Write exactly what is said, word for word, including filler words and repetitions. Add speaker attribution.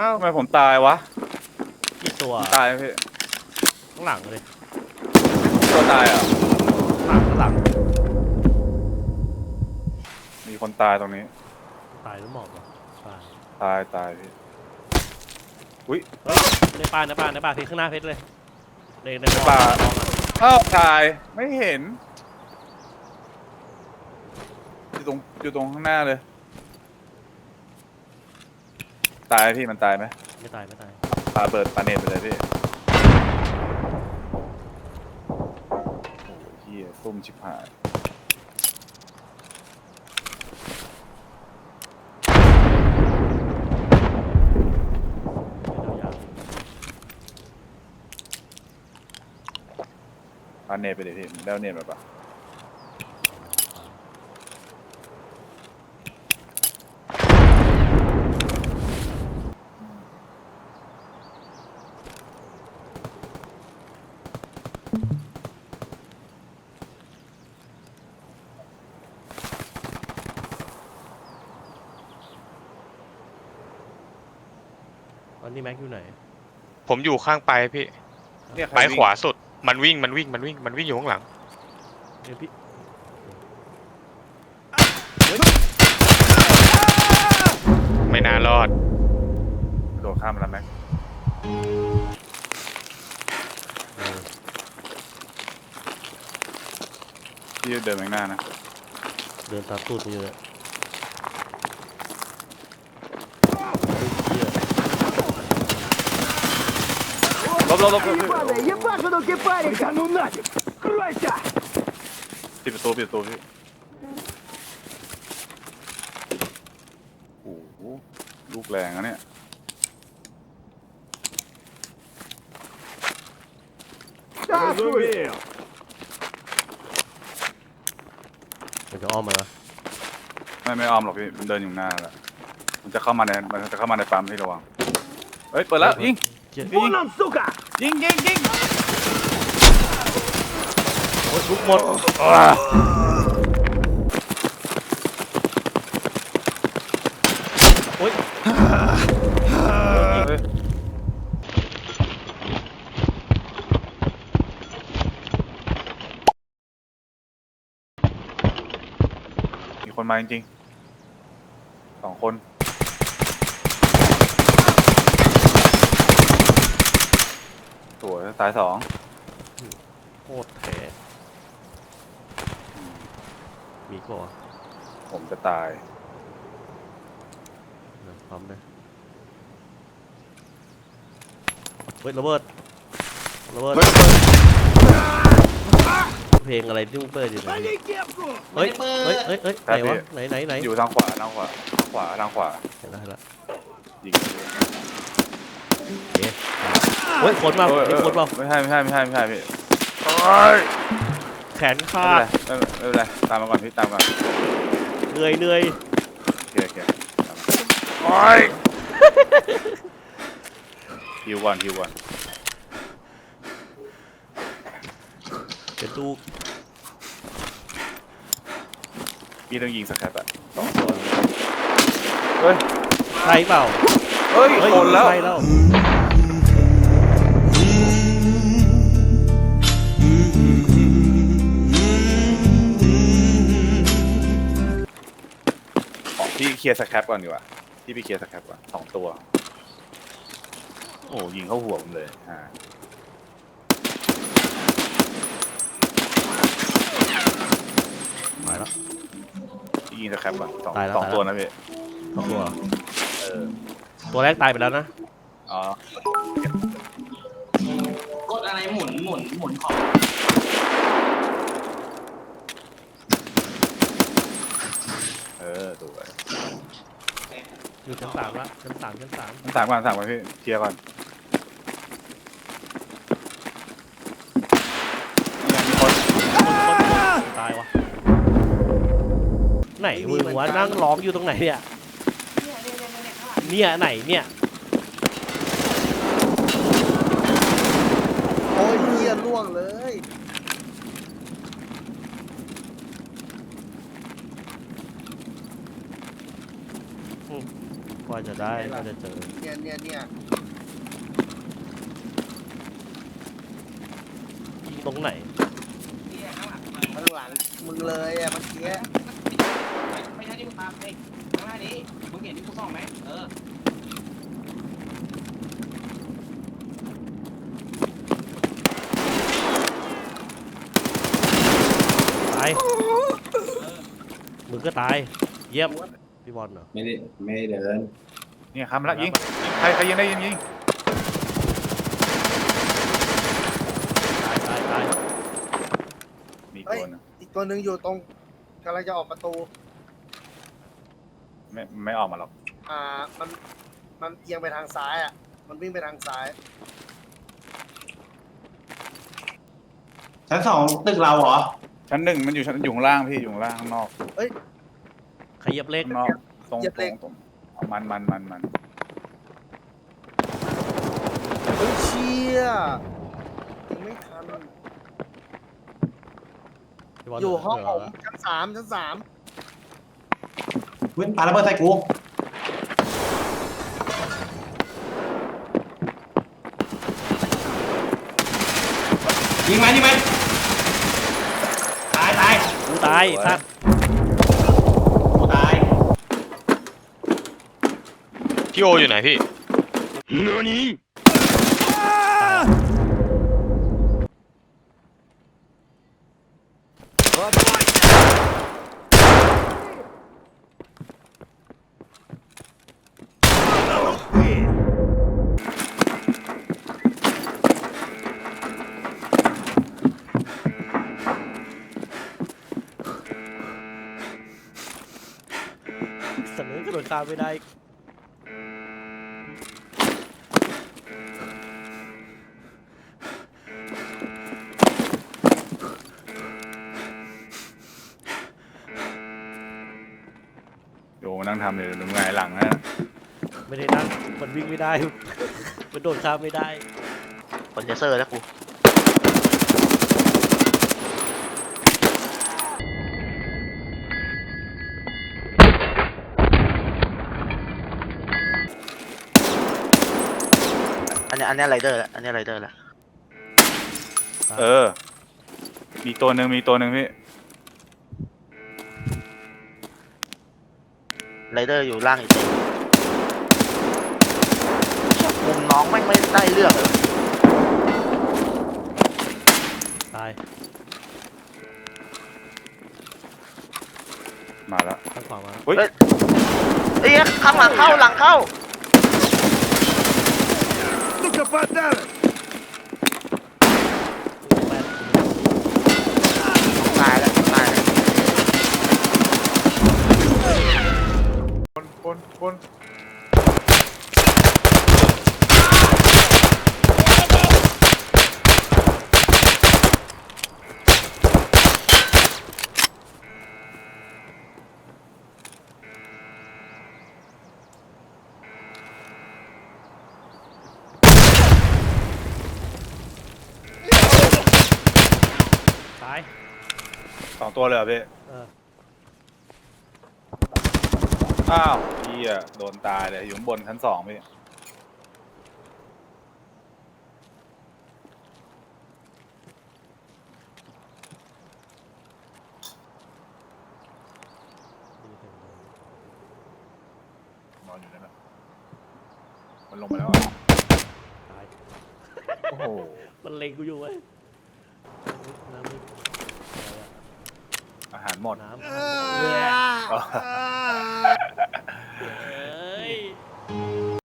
Speaker 1: ทำไมผมตายวะ
Speaker 2: กี่ตัว
Speaker 1: ตายพี่
Speaker 2: ข้างหลังเลย
Speaker 1: ตัวตายอ่ะ
Speaker 2: หลังข้างหลัง
Speaker 1: มีคนตายตรงนี้
Speaker 2: ตายหรือหมอบวะตาย
Speaker 1: ตายตายพี่อุ้ย
Speaker 2: ในป่าในป่าในป่าเพชรข้างหน้าเพชรเลยในใน
Speaker 1: ป่าอ้าวตายไม่เห็นอยู่ตรงอยู่ตรงข้างหน้าเลยตายพี่มันตายไหม
Speaker 2: ไม่ตายไม่ตาย
Speaker 1: ปาเบิดปาเนตไปเลยพี่โอ้ยเฮียซุ่มชิบหายปาเนตไปเลยพี่ได้เนตแบบปะ
Speaker 2: ตอนนี้แม็กอยู่ไหน
Speaker 3: ผมอยู่ข้างไปพี่ไปขวาสุดมันวิ่งมันวิ่งมันวิ่งมันวิ่งอยู่ข้างหลัง
Speaker 2: เดี๋ยวพี่
Speaker 3: ไม่น่ารอด
Speaker 1: โดดข้ามมาแล้วแม็กพี่เดินไปข้างหน้านะ
Speaker 2: เดินตามตูดไปอยู่เลย
Speaker 1: ลบลบลบปิดประตูปิดประตูพี่โอ้โหลูกแรงอะเนี่ย
Speaker 2: มันจะอ้อมมา
Speaker 1: ไม่ไม่อ้อมหรอกพี่มันเดินอยู่หน้าแล้วมันจะเข้ามาในมันจะเข้ามาในปั๊มพี่ระวังเฮ้ยเปิดแล้วยิงยิงยิงยิงยิง
Speaker 2: โอ้ยลุกหมดโอ้ย
Speaker 1: มีคนมาจริงๆสองคนสวยตายสอง
Speaker 2: โคตรแท้มีก่อน
Speaker 1: ผมจะตาย
Speaker 2: พร้อมเลยเฮ้ยระเบิดระเบิดเพลงอะไรที่มึงเปิดอยู่ไหนเฮ้ยเฮ้ยเฮ้ยเฮ้ยไหนวะไหนไหนไหน
Speaker 1: อยู่ทางขวาทางขวาทางขวาทางขวา
Speaker 2: เห็นแล้วเห็นแล้ว
Speaker 1: ยิง
Speaker 2: เฮ้ยคนมามีคนมา
Speaker 1: ไม่ใช่ไม่ใช่ไม่ใช่ไม่ใช่พี่
Speaker 2: แขนขาด
Speaker 1: ไม่เป็นไรตามมาก่อนพี่ตามมา
Speaker 2: เหนื่อยเหนื่อย
Speaker 1: โอเคโอเคโอ้ยฮิวก่อนฮิวก่อน
Speaker 2: เป็นตู้
Speaker 1: พี่ต้องยิงสแครปอะสองตัวเฮ้ย
Speaker 2: ใช่เปล่า
Speaker 1: เฮ้ยคนแล้ว
Speaker 2: ใช่แล้ว
Speaker 1: พี่เคลียร์สแครปก่อนดีกว่าพี่ไปเคลียร์สแครปก่อนสองตัวโอ้ยิงเข้าหัวผมเลยฮะ
Speaker 2: มาแล้ว
Speaker 1: ยิงสแครปก่อนสองสองตัวนะพี่
Speaker 2: สองตัว
Speaker 1: เออ
Speaker 2: ตัวแรกตายไปแล้วนะ
Speaker 1: อ๋อก
Speaker 4: ดอะไรหมุนหมุนหมุนของ
Speaker 1: เออตัว
Speaker 2: อยู่ชั้นสามละชั้นสามชั้นสาม
Speaker 1: ชั้นสามก่อนสามก่อนพี่เคลียร์ก่อนมีคน
Speaker 2: ตายวะไหนมึงวะนั่งร้องอยู่ตรงไหนเนี่ยเนี่ยไหนเนี่ย
Speaker 5: โอ้ยเหี้ยล่วงเลย
Speaker 2: กว่าจะได้กว่าจะเจอ
Speaker 5: เนี่ยเนี่ยเนี่ย
Speaker 2: ยิงตรงไหน
Speaker 5: ข้างหลังมึงเลยอ่ะเมื่อกี้
Speaker 4: ไม่ใช่ที่มึงตามเองข้างหน้านี้มึงเห็นที่กูส่องไหมเออ
Speaker 2: ตายมึงก็ตายเยี่ยมพี่บอลเหรอ
Speaker 6: ไม่ได้ไม่ได้เดิน
Speaker 1: เนี่ยคำละยิงใครใครยิงได้ยิงยิง
Speaker 2: ตายตายตาย
Speaker 1: มี
Speaker 5: เฮ้ย
Speaker 1: คนนะ
Speaker 5: อีกตัวหนึ่งอยู่ตรงกำลังจะออกประตู
Speaker 1: ไม่ไม่ออกมาหรอก
Speaker 5: อ่ามันมันเอียงไปทางซ้ายอ่ะมันวิ่งไปทางซ้าย
Speaker 6: ชั้นสองตึกเราเหรอ
Speaker 1: ชั้นหนึ่งมันอยู่ชั้นอยู่ข้างล่างพี่อยู่ข้างล่างข้างนอก
Speaker 2: ขยับเล็ก
Speaker 1: ข้างนอกตรงตรงตรงเอามันมันมันมัน
Speaker 5: เฮ้ยเชี่ยยังไม่ทัน
Speaker 2: พี่บอล
Speaker 5: อยู่ห้อง
Speaker 2: เห
Speaker 5: ผ
Speaker 2: ลื
Speaker 5: มชั้นสามชั้นสาม
Speaker 6: วิ่งปาระเบิดใส่กูยิงมันยิงมันตายตาย
Speaker 2: กูตายสัตว์
Speaker 6: กูตาย
Speaker 3: พี่โออยู่ไหนพี่
Speaker 2: เสนอกระโดดข้ามไม่ได้
Speaker 1: โยมานั่งทำเลยหรือไงหลังนะ
Speaker 2: ไม่ได้นั่งมันวิ่งไม่ได้ มันโดดข้ามไม่ได้
Speaker 7: คนจะเซอร์แล้วกูอันนี้อันนี้ไรเดอร์ละอันนี้ไรเดอร์ละ
Speaker 1: เออ มีตัวหนึ่งมีตัวหนึ่งพี่
Speaker 7: ไรเดอร์อยู่ล่างอีกตัวมุมน้องไม่งไม่ได้เรื่องเลย
Speaker 2: ตาย
Speaker 1: มาแล้ว
Speaker 2: ข้างขวามา
Speaker 1: เฮ้ย
Speaker 7: เอ้ยข้างหลังเข้าหลังเข้าตายแล้วตายแล้ว
Speaker 1: คนคนคน
Speaker 2: ตาย
Speaker 1: สองตัวเลยเหรอพี่
Speaker 2: เออ
Speaker 1: อ้าวพี่อะโดนตายเลยอยู่ข้างบนชั้นสองพี่นอนอยู่นั่นแหละมันลงมาแล้วอะ
Speaker 2: ตาย
Speaker 1: โอ้โห
Speaker 2: มันเล็งกูอยู่เว้ยน้ำนี่อะไรอะ
Speaker 1: อาหารหมด
Speaker 2: น้ำ
Speaker 1: อ๋อ
Speaker 2: เฮ้ย